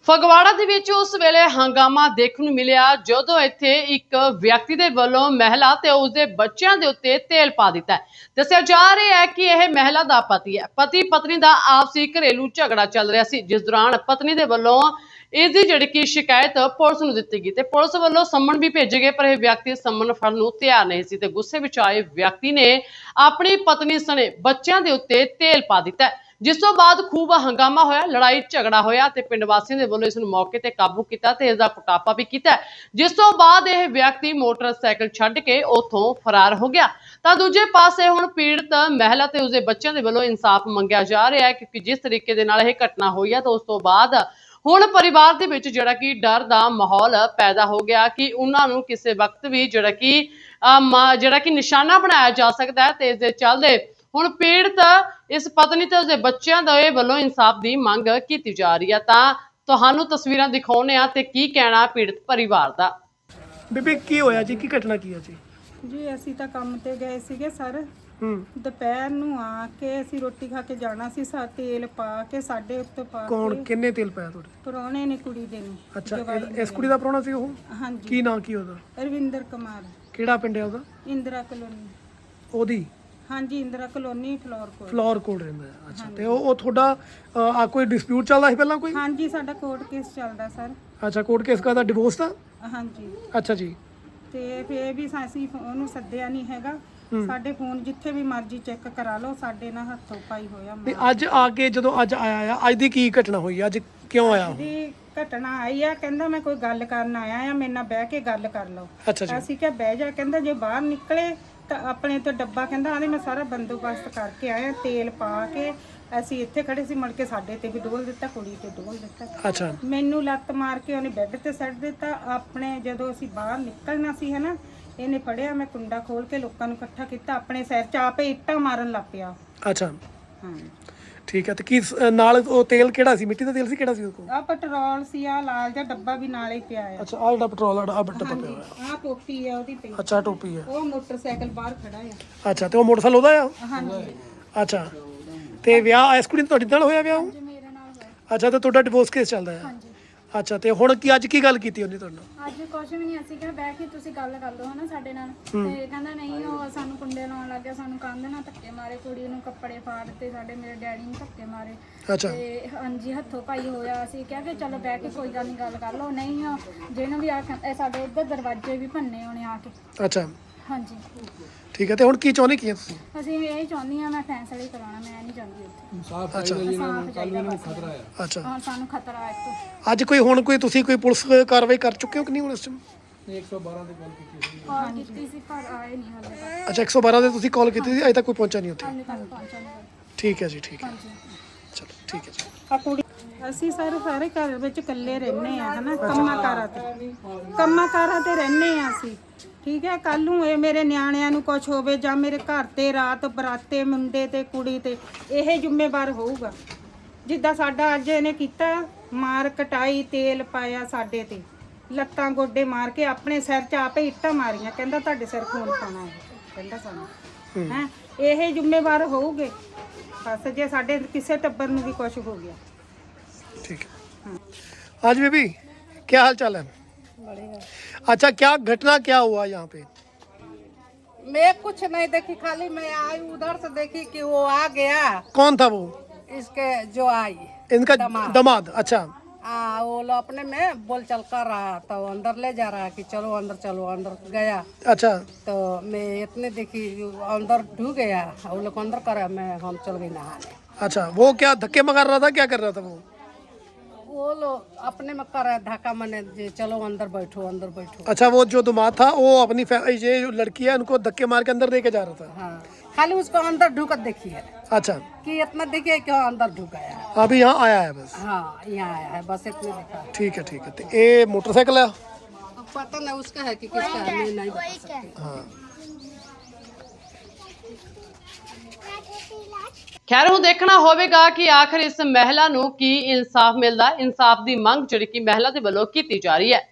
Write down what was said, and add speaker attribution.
Speaker 1: ਫਗਵਾੜਾ ਦੇ ਵਿੱਚ ਉਸ ਵੇਲੇ ਹੰਗਾਮਾ ਦੇਖਣ ਨੂੰ ਮਿਲਿਆ ਜਦੋਂ ਇੱਥੇ ਇੱਕ ਵਿਅਕਤੀ ਦੇ ਵੱਲੋਂ ਮਹਿਲਾ ਤੇ ਉਸਦੇ ਬੱਚਿਆਂ ਦੇ ਉੱਤੇ ਤੇਲ ਪਾ ਦਿੱਤਾ ਹੈ। ਦੱਸਿਆ ਜਾ ਰਿਹਾ ਹੈ ਕਿ ਇਹ ਮਹਿਲਾ ਦਾ ਪਤੀ ਹੈ। ਪਤੀ ਪਤਨੀ ਦਾ ਆਪਸੀ ਘਰੇਲੂ ਝਗੜਾ ਚੱਲ ਰਿਹਾ ਸੀ, ਜਿਸ ਦੌਰਾਨ ਪਤਨੀ ਦੇ ਵੱਲੋਂ ਇਸ ਦੀ ਜਿਹੜੀ ਕਿ ਸ਼ਿਕਾਇਤ ਪੁਲਿਸ ਨੂੰ ਦਿੱਤੀ ਗਈ ਤੇ ਪੁਲਿਸ ਵੱਲੋਂ ਸੰਮਨ ਵੀ ਭੇਜੇ ਗਏ, ਪਰ ਇਹ ਵਿਅਕਤੀ ਸੰਮਨ ਫੜਨ ਨੂੰ ਤਿਆਰ ਨਹੀਂ ਸੀ ਤੇ ਗੁੱਸੇ ਵਿੱਚ ਆਏ ਵਿਅਕਤੀ ਨੇ ਆਪਣੀ ਪਤਨੀ ਸਣੇ ਬੱਚਿਆਂ ਦੇ ਉੱਤੇ ਤੇਲ ਪਾ ਦਿੱਤਾ, ਜਿਸ ਤੋਂ ਬਾਅਦ ਖੂਬ ਹੰਗਾਮਾ ਹੋਇਆ, ਲੜਾਈ ਝਗੜਾ ਹੋਇਆ ਤੇ ਪਿੰਡ ਵਾਸੀਆਂ ਦੇ ਵੱਲੋਂ ਇਸ ਨੂੰ ਮੌਕੇ ਤੇ ਕਾਬੂ ਕੀਤਾ ਤੇ ਇਸ ਦਾ ਕੁਟਾਪਾ ਵੀ ਕੀਤਾ, ਜਿਸ ਤੋਂ ਬਾਅਦ ਇਹ ਵਿਅਕਤੀ ਮੋਟਰਸਾਈਕਲ ਛੱਡ ਕੇ ਉੱਥੋਂ ਫਰਾਰ ਹੋ ਗਿਆ। ਤਾਂ ਦੂਜੇ ਪਾਸੇ ਹੁਣ ਪੀੜਤ ਮਹਿਲਾ ਤੇ ਉਸਦੇ ਬੱਚਿਆਂ ਦੇ ਵੱਲੋਂ ਇਨਸਾਫ ਮੰਗਿਆ ਜਾ ਰਿਹਾ ਹੈ, ਕਿਉਂਕਿ ਜਿਸ ਤਰੀਕੇ ਦੇ ਨਾਲ ਇਹ ਘਟਨਾ ਹੋਈ ਹੈ ਤਾਂ ਉਸ ਤੋਂ ਬਾਅਦ ਹੁਣ ਪਰਿਵਾਰ ਦੇ ਵਿੱਚ ਜਿਹੜਾ ਕਿ ਡਰ ਦਾ ਮਾਹੌਲ ਪੈਦਾ ਹੋ ਗਿਆ ਕਿ ਉਹਨਾਂ ਨੂੰ ਕਿਸੇ ਵਕਤ ਵੀ ਜਿਹੜਾ ਕਿ ਨਿਸ਼ਾਨਾ ਬਣਾਇਆ ਜਾ ਸਕਦਾ ਹੈ ਤੇ ਇਸ ਦੇ ਚੱਲਦੇ ਹੁਣ ਪੀੜਤ ਇਸ ਪਤਨੀ ਤੇ ਉਸਦੇ ਬੱਚਿਆਂ ਦੇ ਵੱਲੋਂ ਇਨਸਾਫ ਦੀ ਮੰਗ ਕੀਤੀ ਜਾ ਰਹੀ ਹੈ। ਤਾਂ ਤੁਹਾਨੂੰ ਤਸਵੀਰਾਂ ਦਿਖਾਉਂਦੇ ਆ ਤੇ ਕੀ ਕਹਿਣਾ ਪੀੜਤ ਪਰਿਵਾਰ ਦਾ।
Speaker 2: ਬੀਬੀ ਕੀ ਹੋਇਆ ਜੀ, ਕੀ ਘਟਨਾ ਕੀ ਹੈ ਜੀ?
Speaker 3: ਜੀ ਅਸੀਂ ਤਾਂ ਕੰਮ ਤੇ ਗਏ ਸੀਗੇ ਸਰ। ਦੁਪਹਿਰ ਨੂੰ ਆ ਕੇ ਅਸੀਂ ਰੋਟੀ ਖਾ ਕੇ ਜਾਣਾ ਸੀ, ਤੇਲ ਪਾ ਕੇ ਸਾਡੇ ਉੱਤੇ ਪਾ ਕੇ।
Speaker 2: ਕੌਣ ਕਿੰਨੇ ਤੇਲ ਪਾਇਆ ਤੁਹਾਡੇ?
Speaker 3: ਪ੍ਰਾਹੁਣੇ ਨੇ ਕੁੜੀ ਦੇ ਨੇ।
Speaker 2: ਅੱਛਾ, ਇਸ ਕੁੜੀ ਦਾ ਪ੍ਰਾਹੁਣਾ ਸੀ ਉਹ?
Speaker 3: ਹਾਂਜੀ।
Speaker 2: ਕੀ ਨਾਂ ਕੀ ਉਹਦਾ?
Speaker 3: ਰਵਿੰਦਰ ਕੁਮਾਰ।
Speaker 2: ਕਿਹੜਾ ਪਿੰਡ ਹੈ ਉਹਦਾ?
Speaker 3: ਇੰਦਰਾ ਕਲੋਨੀ।
Speaker 2: ਉਹਦੀ?
Speaker 3: ਹਾਂਜੀ, ਇੰਦਰਾ ਕਲੋਨੀ
Speaker 2: ਫਲੋਰ ਕੋਲ ਰਹਿੰਦਾ ਹੈ। ਅੱਛਾ, ਤੇ ਉਹ ਤੁਹਾਡਾ ਕੋਈ ਡਿਸਪਿਊਟ ਚੱਲਦਾ ਸੀ ਪਹਿਲਾਂ ਕੋਈ?
Speaker 3: ਹਾਂਜੀ, ਸਾਡਾ ਕੋਰਟ ਕੇਸ ਚੱਲਦਾ ਸਰ।
Speaker 2: ਅੱਛਾ, ਕੋਰਟ ਕੇਸ ਦਾ ਡਿਵੋਰਸ ਦਾ?
Speaker 3: ਹਾਂਜੀ।
Speaker 2: ਅੱਛਾ ਜੀ।
Speaker 3: ਤੇ ਫੇਰ ਵੀ ਅਸੀਂ ਉਹਨੂੰ ਸੱਦਿਆ ਨਹੀਂ ਹੈਗਾ। ਸਾਡੇ ਫੋਨ ਜਿੱਥੇ ਵੀ ਮਰਜ਼ੀ ਚੈੱਕ ਕਰਾ ਲਓ, ਸਾਡੇ ਨਾਲ ਹੱਥੋਂ ਪਾਈ ਹੋਇਆ।
Speaker 2: ਤੇ ਅੱਜ ਆ ਕੇ ਜਦੋਂ ਅੱਜ ਆਇਆ ਆ, ਅੱਜ ਦੀ ਕੀ ਘਟਨਾ ਹੋਈ? ਅੱਜ ਕਿਉਂ ਆਇਆ?
Speaker 3: ਦੀ ਘਟਨਾ ਆਈ ਆ, ਕਹਿੰਦਾ ਮੈਂ ਕੋਈ ਗੱਲ ਕਰਨ ਆਇਆ ਆ, ਮੇਰੇ ਨਾਲ ਬਹਿ ਕੇ ਗੱਲ ਕਰ ਲਓ।
Speaker 2: ਅੱਛਾ ਜੀ।
Speaker 3: ਅਸੀਂ ਕਿਹਾ ਬਹਿ ਜਾ। ਕਹਿੰਦਾ ਜੇ ਬਾਹਰ ਨਿਕਲੇ ਤਾਂ ਆਪਣੇ ਤੋਂ ਡੱਬਾ, ਕਹਿੰਦਾ ਆਂਦੇ ਮੈਂ ਸਾਰਾ ਬੰਦੋਬਸਤ ਕਰਕੇ ਆਇਆ, ਤੇਲ ਪਾ ਕੇ। ਅਸੀਂ ਇੱਥੇ ਖੜੇ ਸੀ, ਮੁੜ ਕੇ ਸਾਡੇ ਤੇ ਵੀ ਡੋਲ ਦਿੱਤਾ, ਕੁੜੀ ਤੇ ਡੋਲ ਦਿੱਤਾ।
Speaker 2: ਅੱਛਾ।
Speaker 3: ਮੈਨੂੰ ਲੱਤ ਮਾਰ ਕੇ ਉਹਨੇ ਬੈੱਡ ਤੇ ਸੱਟ ਦਿੱਤਾ। ਆਪਣੇ ਜਦੋਂ ਅਸੀਂ ਬਾਹਰ ਨਿਕਲਣਾ ਸੀ ਹਨਾ, ਇਹਨੇ ਫੜਿਆ, ਮੈਂ ਕੁੰਡਾ ਖੋਲ ਕੇ ਲੋਕਾਂ ਨੂੰ ਇਕੱਠਾ ਕੀਤਾ, ਆਪਣੇ ਸਿਰ 'ਚ ਆਪੇ ਇੱਟਾਂ ਮਾਰਨ ਲੱਗ ਪਿਆ।
Speaker 2: ਅੱਛਾ,
Speaker 3: ਹਾਂ
Speaker 2: ਠੀਕ ਹੈ। ਤੇ ਕੀ ਨਾਲ ਉਹ ਤੇਲ ਕਿਹੜਾ ਸੀ? ਮਿੱਟੀ ਦਾ ਤੇਲ ਸੀ? ਕਿਹੜਾ ਸੀ ਉਹ ਕੋਲ?
Speaker 3: ਆ ਪੈਟਰੋਲ ਸੀ, ਆ ਲਾਲ ਜਿਹਾ ਡੱਬਾ ਵੀ ਨਾਲ ਹੀ ਪਿਆ ਆ।
Speaker 2: ਅੱਛਾ, ਆ ਜਿਹੜਾ ਪੈਟਰੋਲ ਵਾਲਾ ਆ ਡੱਬਾ ਪਿਆ ਹੋਇਆ।
Speaker 3: ਆ ਟੋਪੀ ਆ ਉਹਦੀ ਪਈ।
Speaker 2: ਅੱਛਾ, ਟੋਪੀ ਹੈ।
Speaker 3: ਉਹ ਮੋਟਰਸਾਈਕਲ ਬਾਹਰ ਖੜਾ ਆ।
Speaker 2: ਅੱਛਾ, ਤੇ ਉਹ ਮੋਟਰਸਾਈਕਲ ਉਹਦਾ ਆ?
Speaker 3: ਹਾਂਜੀ।
Speaker 2: ਅੱਛਾ, ਤੇ ਵਿਆਹ ਇਸ ਕੁੜੀ ਤੁਹਾਡੇ ਨਾਲ ਹੋਇਆ? ਵਿਆਹ
Speaker 3: ਮੇਰੇ ਨਾਲ ਹੋਇਆ।
Speaker 2: ਅੱਛਾ, ਤੇ ਤੁਹਾਡਾ ਡਿਵੋਰਸ ਕੇਸ ਚੱਲਦਾ ਹੈ?
Speaker 3: ਹਾਂਜੀ।
Speaker 2: ਅੱਛਾ, ਤੇ ਹੁਣ ਕੀ ਅੱਜ ਕੀ ਗੱਲ ਕੀਤੀ ਉਹਨੇ ਤੁਹਾਡੇ ਨਾਲ?
Speaker 4: ਅੱਜ ਕੁਛ ਵੀ ਨਹੀਂ, ਅਸੀਂ ਕਿਹਾ ਬਹਿ ਕੇ ਤੁਸੀਂ ਗੱਲ ਕਰ ਲਓ ਹਨਾ ਸਾਡੇ ਨਾਲ। ਤੇ ਕਹਿੰਦਾ ਨਹੀਂ, ਉਹ ਸਾਨੂੰ ਕੁੰਡੇ ਲਾਉਣ ਲੱਗ ਗਿਆ, ਸਾਨੂੰ ਕੰਧ ਨਾਲ ਧੱਕੇ ਮਾਰੇ, ਕੁੜੀ ਨੂੰ ਕੱਪੜੇ ਫਾੜ ਤੇ ਸਾਡੇ ਮੇਰੇ ਡੈਡੀ ਨੂੰ ਧੱਕੇ ਮਾਰੇ।
Speaker 2: ਅੱਛਾ।
Speaker 4: ਤੇ ਹਾਂਜੀ, ਹੱਥੋਂ ਪਾਈ ਹੋਇਆ। ਅਸੀਂ ਕਿਹਾ ਕਿ ਚਲੋ ਬਹਿ ਕੇ ਕੋਈ ਗੱਲ ਨਹੀਂ, ਗੱਲ ਕਰ ਲਓ। ਨਹੀਂ, ਜਿਹਨੂੰ ਵੀ ਆ ਸਾਡੇ ਇੱਧਰ ਦਰਵਾਜ਼ੇ ਵੀ ਭੰਨੇ ਉਹਨੇ ਆ ਕੇ।
Speaker 2: ਅੱਛਾ,
Speaker 4: ਹਾਂਜੀ।
Speaker 2: ਠੀਕ ਹੈ। ਤੇ ਹੁਣ ਕੀ ਚਾਹੁੰਦੇ ਕੀ ਤੁਸੀਂ?
Speaker 4: ਅਸੀਂ ਇਹ ਚਾਹੁੰਦੀ ਹਾਂ, ਮੈਂ ਫੈਸਲਾ ਹੀ ਕਰਾਉਣਾ, ਮੈਂ ਨਹੀਂ ਚਾਹੁੰਦੀ ਉੱਥੇ।
Speaker 2: ਅੱਛਾ। ਅੱਛਾ,
Speaker 4: ਹਾਂ, ਸਾਨੂੰ ਖਤਰਾ ਹੈ ਇੱਥੋਂ।
Speaker 2: ਅੱਜ ਕੋਈ ਤੁਸੀਂ ਕੋਈ ਪੁਲਿਸ ਕਾਰਵਾਈ ਕਰ ਚੁੱਕੇ ਹੋ ਕਿ ਨਹੀਂ ਹੁਣ ਇਸ ਟਾਈਮ?
Speaker 4: 112 ਦੇ ਕਾਲ ਕੀਤੀ ਸੀ ਪਰ ਆਏ ਨਹੀਂ ਹਾਲੇ ਤੱਕ।
Speaker 2: ਅੱਛਾ, 112 ਦੇ ਤੁਸੀਂ ਕਾਲ ਕੀਤੀ ਸੀ, ਅਜੇ ਤੱਕ ਕੋਈ ਪਹੁੰਚਾ ਨਹੀਂ ਉੱਥੇ?
Speaker 4: ਹਾਲੇ ਤੱਕ ਪਹੁੰਚਾ ਨਹੀਂ।
Speaker 2: ਠੀਕ ਹੈ ਜੀ, ਠੀਕ ਹੈ।
Speaker 4: ਹਾਂਜੀ।
Speaker 2: ਚਲੋ, ਠੀਕ ਹੈ ਜੀ।
Speaker 3: ਆ ਕੁੜੀ ਅਸੀਂ ਸਾਰੇ ਘਰ ਵਿੱਚ ਇਕੱਲੇ ਰਹਿੰਦੇ ਆ ਹਨਾ, ਕੰਮਾਂ ਕਾਰਾਂ ਤੇ ਰਹਿੰਦੇ ਆ ਅਸੀਂ। ਠੀਕ ਹੈ, ਕੱਲ ਨੂੰ ਇਹ ਮੇਰੇ ਨਿਆਣਿਆਂ ਨੂੰ ਕੁਝ ਹੋਵੇ ਜਾਂ ਮੇਰੇ ਘਰ ਤੇ ਰਾਤ ਬਰਾਤੇ ਮੁੰਡੇ ਤੇ ਕੁੜੀ ਤੇ, ਇਹ ਜ਼ਿੰਮੇਵਾਰ ਹੋਊਗਾ। ਜਿੱਦਾਂ ਸਾਡਾ ਅੱਜ ਇਹਨੇ ਕੀਤਾ, ਮਾਰ ਕਟਾਈ, ਤੇਲ ਪਾਇਆ ਸਾਡੇ ਤੇ, ਲੱਤਾਂ ਗੋਡੇ ਮਾਰ ਕੇ ਆਪਣੇ ਸਿਰ 'ਚ ਆਪੇ ਇੱਟਾਂ ਮਾਰੀਆਂ। ਕਹਿੰਦਾ ਤੁਹਾਡੇ ਸਿਰ ਖੂਨ ਪਾਉਣਾ ਹੈ, ਕਹਿੰਦਾ ਸਾਨੂੰ ਹੈ। ਇਹ ਜ਼ਿੰਮੇਵਾਰ ਹੋਊਗੇ ਬਸ ਜੇ ਸਾਡੇ ਕਿਸੇ ਟੱਬਰ ਨੂੰ ਵੀ ਕੁਝ ਹੋ ਗਿਆ।
Speaker 2: ठीक है। आज बेबी क्या हाल चाल है? अच्छा, क्या घटना क्या हुआ यहाँ पे?
Speaker 5: मैं कुछ नहीं देखी, खाली मैं आई उधर से देखी कि वो आ गया।
Speaker 2: कौन था वो?
Speaker 5: इसके जो आई
Speaker 2: इनका दामाद। अच्छा।
Speaker 5: वो लोग अपने में बोल चल कर रहा तो अंदर ले जा रहा है कि चलो अंदर, चलो अंदर गया।
Speaker 2: अच्छा।
Speaker 5: तो मैं इतने देखी अंदर ढूंढ गया, वो लोग अंदर करा, मैं हम चल गई नहाने।
Speaker 2: अच्छा, वो क्या धक्के मार रहा था, क्या कर रहा था
Speaker 5: वो लोग अपने में कर रहा है धक्का, मैंने चलो अंदर बैठो, अंदर बैठो।
Speaker 2: अच्छा, वो जो दामाद था वो अपनी ये जो लड़की है उनको धक्के मार के अंदर लेके जा रहा था?
Speaker 5: हाँ, खाली उसको अंदर ढूक देखी है।
Speaker 2: अच्छा,
Speaker 5: कि इतना देखिए क्यों अंदर ढूक गया है।
Speaker 2: अभी यहाँ आया है बस?
Speaker 5: हाँ, यहाँ आया है बस, इतने देखा।
Speaker 2: ठीक है, ठीक है। तो ये मोटरसाइकिल है?
Speaker 5: अब पता नहीं उसका है कि किसका है, मैं नहीं बता सकती।
Speaker 2: हाँ।
Speaker 1: ਖੈਰ ਹੁਣ ਦੇਖਣਾ ਹੋਵੇਗਾ ਕਿ ਆਖਰ ਇਸ ਮਹਿਲਾ ਨੂੰ ਕੀ ਇਨਸਾਫ ਮਿਲਦਾ। ਇਨਸਾਫ ਦੀ ਮੰਗ ਜਿਹੜੀ ਕਿ ਮਹਿਲਾ ਦੇ ਵੱਲੋਂ ਕੀਤੀ ਜਾ ਰਹੀ ਹੈ।